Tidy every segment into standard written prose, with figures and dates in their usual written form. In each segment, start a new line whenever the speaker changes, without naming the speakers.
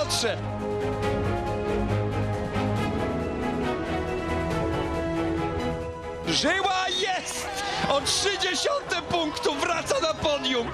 Piotrze! Żyła jest! O 30 punktu wraca na podium!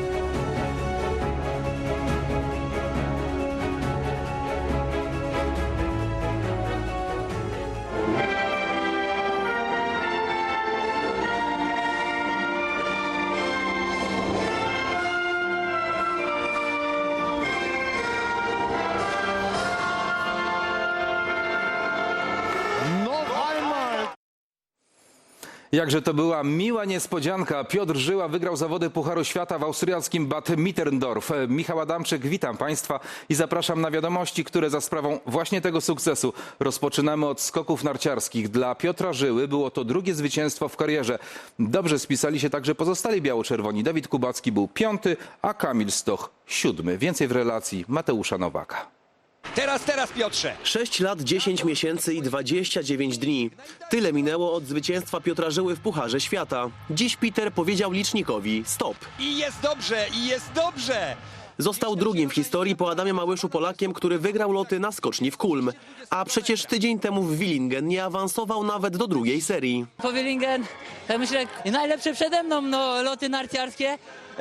Jakże to była miła niespodzianka. Piotr Żyła wygrał zawody Pucharu Świata w austriackim Bad Mitterndorf. Michał Adamczyk, witam Państwa i zapraszam na wiadomości, które za sprawą właśnie tego sukcesu rozpoczynamy od skoków narciarskich. Dla Piotra Żyły było to drugie zwycięstwo w karierze. Dobrze spisali się także pozostali biało-czerwoni. Dawid Kubacki był 5., a Kamil Stoch 7. Więcej w relacji Mateusza Nowaka.
Teraz Piotrze!
6 lat, 10 miesięcy i 29 dni. Tyle minęło od zwycięstwa Piotra Żyły w Pucharze Świata. Dziś Peter powiedział licznikowi stop.
I jest dobrze, i jest dobrze!
Został drugim w historii po Adamie Małyszu Polakiem, który wygrał loty na skoczni w Kulm. A przecież tydzień temu w Willingen nie awansował nawet do drugiej serii.
Po Willingen, myślę, najlepsze przede mną loty narciarskie.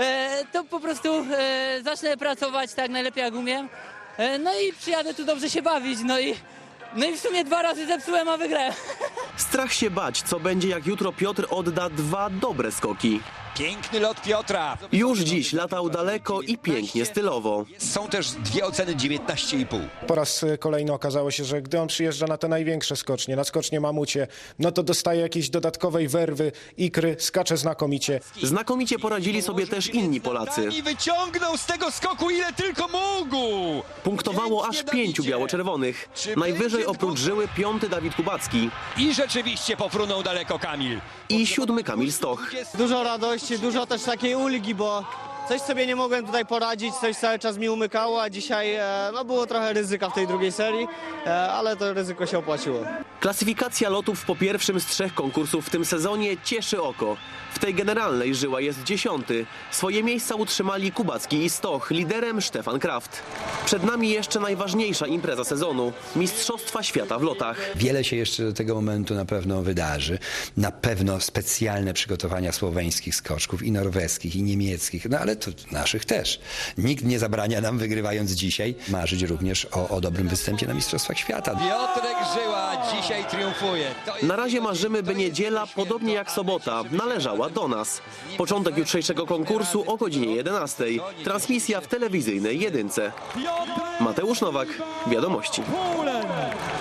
To po prostu zacznę pracować tak najlepiej jak umiem. No i przyjadę tu dobrze się bawić, no i w sumie 2 razy zepsułem, a wygrałem.
Strach się bać, co będzie jak jutro Piotr odda 2 dobre skoki.
Piękny lot Piotra.
Już dziś latał daleko i pięknie stylowo.
Są też 2 oceny 19,5.
Po raz kolejny okazało się, że gdy on przyjeżdża na te największe skocznie, na skocznie Mamucie, no to dostaje jakiejś dodatkowej werwy, ikry, skacze znakomicie.
Znakomicie poradzili sobie też inni Polacy.
I wyciągnął z tego skoku ile tylko mógł.
Punktowało aż 5 biało-czerwonych. Najwyżej oprócz Żyły 5. Dawid Kubacki
I rzeczywiście pofrunął daleko Kamil.
i 7. Kamil Stoch.
Dużo radości, dużo też takiej ulgi, bo coś sobie nie mogłem tutaj poradzić, coś cały czas mi umykało, a dzisiaj było trochę ryzyka w tej drugiej serii, ale to ryzyko się opłaciło.
Klasyfikacja lotów po pierwszym z 3 konkursów w tym sezonie cieszy oko. W tej generalnej Żyła jest 10. Swoje miejsca utrzymali Kubacki i Stoch, liderem Stefan Kraft. Przed nami jeszcze najważniejsza impreza sezonu – Mistrzostwa Świata w lotach.
Wiele się jeszcze do tego momentu na pewno wydarzy. Na pewno specjalne przygotowania słoweńskich skoczków i norweskich, i niemieckich, no ale to naszych też. Nikt nie zabrania nam, wygrywając dzisiaj, marzyć również o dobrym występie na Mistrzostwach Świata.
Piotrek Żyła dzisiaj triumfuje.
Na razie marzymy, by niedziela, podobnie jak sobota, należała do nas. Początek jutrzejszego konkursu o godzinie 11. Transmisja w telewizyjnej Jedynce. Mateusz Nowak, Wiadomości.